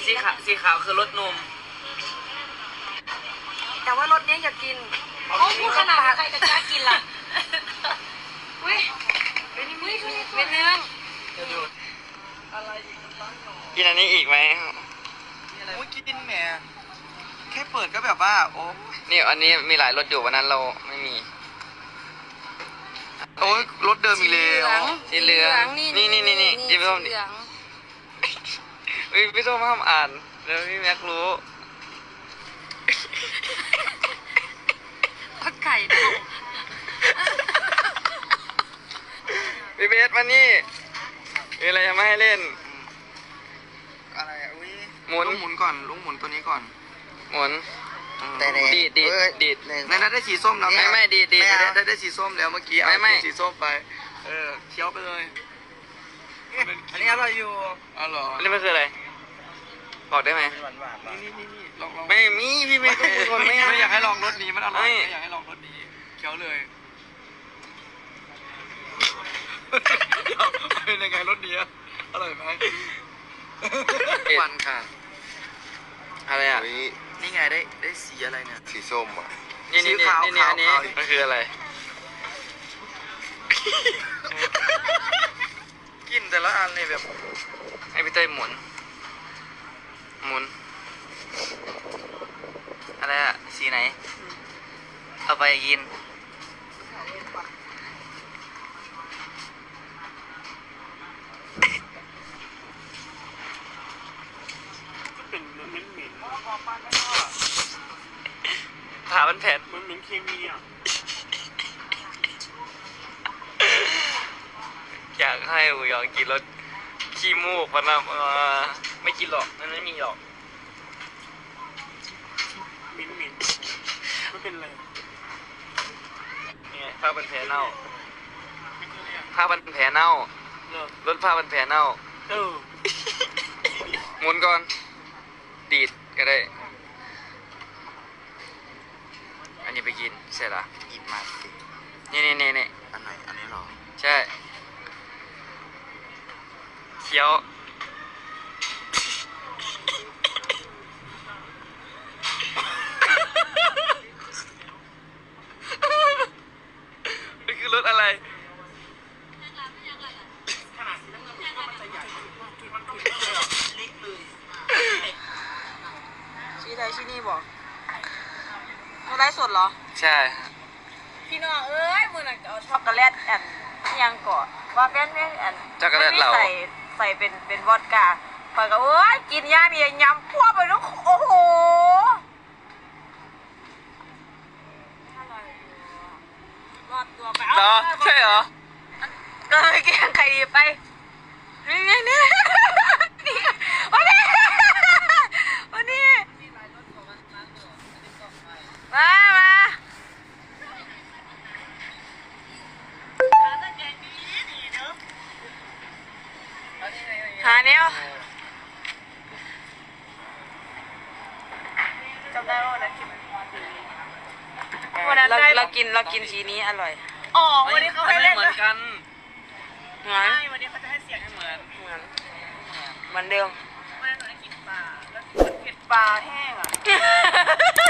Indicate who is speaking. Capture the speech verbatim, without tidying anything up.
Speaker 1: สีขาวสีขาวคือรสนม
Speaker 2: แต่ว่ารสนี้อย่ากิน
Speaker 3: โอ้พูดขนาดใครจะกล้ากินล่ะอุ้ยเป็นนี่เป็นเนื้อ
Speaker 1: กินอันนี้อีกไหม
Speaker 4: โอ้ยกินแหมแค่เปิดก็แบบว่าโอ้
Speaker 1: นี่อันนี้มีหลายรสอยู่วันนั้นเราไม่มี
Speaker 4: โอ้ยรสเดิมอีกแล้ว
Speaker 1: สีเหลืองนี่นี่นี่นี่พี่ส้มดิพี่ส้มห้ามอ่านเดี๋ยวพี่แม็กรู้
Speaker 3: ผักไก่ดอง
Speaker 1: พี่เบสมานี่มีอะไรจะมาให้เล่น
Speaker 4: อะไรอุ้ย
Speaker 1: หมุน
Speaker 4: ลุงหมุนก่อนลุงหมุนตัวนี้ก่อน
Speaker 1: หมุน
Speaker 4: แต่
Speaker 1: ดีดดีดดีด
Speaker 4: ในนั้นได้สีส้มแล้ว
Speaker 1: ไม่ไม่ดีดี
Speaker 4: ได้ได้ได้สีส้มแล้วเมื่อกี้เอาสีส้มไปเออเคี้ยวไปเลยอันนี้อร่อยอยู่อ๋อเหรอ
Speaker 1: อันนี้มันคืออะไรบอกได้ไหม
Speaker 4: นี่นี่นี่ลองลอง
Speaker 1: ไม่มีพี่ไม่คนไม่
Speaker 4: ไม่อยากให้ลองรสนี้มันอร่อยไม่อยากให้ลองรสนี้เคี้ยวเลยเป็นยังไงรสนี้อร่อยไหม
Speaker 1: ควันค่ะอะไรอ่ะ
Speaker 4: นี่ไงได้ได้สีอะไรเนี่ย
Speaker 5: สีส้มอ่ะ
Speaker 1: นี่นี่นี่นี่อันนี้มันคืออะไร
Speaker 4: กินแต่ละอันเลยแบบ
Speaker 1: ให้พี่เต้ยหมุนหมุนอะไรอ่ะสีไหนเอาไปกินผ่ามันแผ่น
Speaker 4: มันเหมือนเคมีอ่ะ
Speaker 1: อยากให้อูยองกินรสขี้มูกมันนะไม่กินหรอกมันไม่มีหรอก
Speaker 4: มิ้นมิ้นไม่เป็นไร
Speaker 1: เนี่ยผ้าพันแผลเน่าผ้าพันแผลเน่ารถผ้าพันแผลเน่า
Speaker 4: เออ
Speaker 1: หมุนก่อนดีดก็ได้อันนี้ไปกินใช่หรอ
Speaker 4: กินมาสิ
Speaker 1: นี่นี่นี่นี่
Speaker 4: อันไหนอันนี้หรอ
Speaker 1: ใช่เคี้ยวนี่คือรถอะไร
Speaker 2: ชี้ใดชี้นี่บอกเขาได้สดเหรอ
Speaker 1: ใช่
Speaker 2: พี่น้องเอ้ยมือหนักเอาช็อกโกแลตแอนยังก่อว่าเป็นเรื่องแอน
Speaker 1: ช็อกโกแลตเรา
Speaker 2: ใส่ใส่เป็นเป็นวอดก้าปก็เอ้ยกินย่ามียำพวกไปลูกโอ้โหรอดตัวไปเอา
Speaker 1: ใช่เหรอ
Speaker 2: ก็เลยแกงไข่ไปนี่นี่นี่วันนี้วันนี้มามาหาเนี้ยจำได้ว่าวันนั้นกินวันนั้นเรากินเรากินสีนี้อร่อยอ๋อวันนี้เขาให้เล่น
Speaker 1: เหมือนกัน
Speaker 2: เหมือน
Speaker 3: วันนี้เขาจะให้เสียง
Speaker 1: เหมือน
Speaker 2: เหมือนเหมือนเดิม
Speaker 3: วันนั้นหนูได้กินปลาแล้ว
Speaker 2: กินปลาแห้งอ่ะ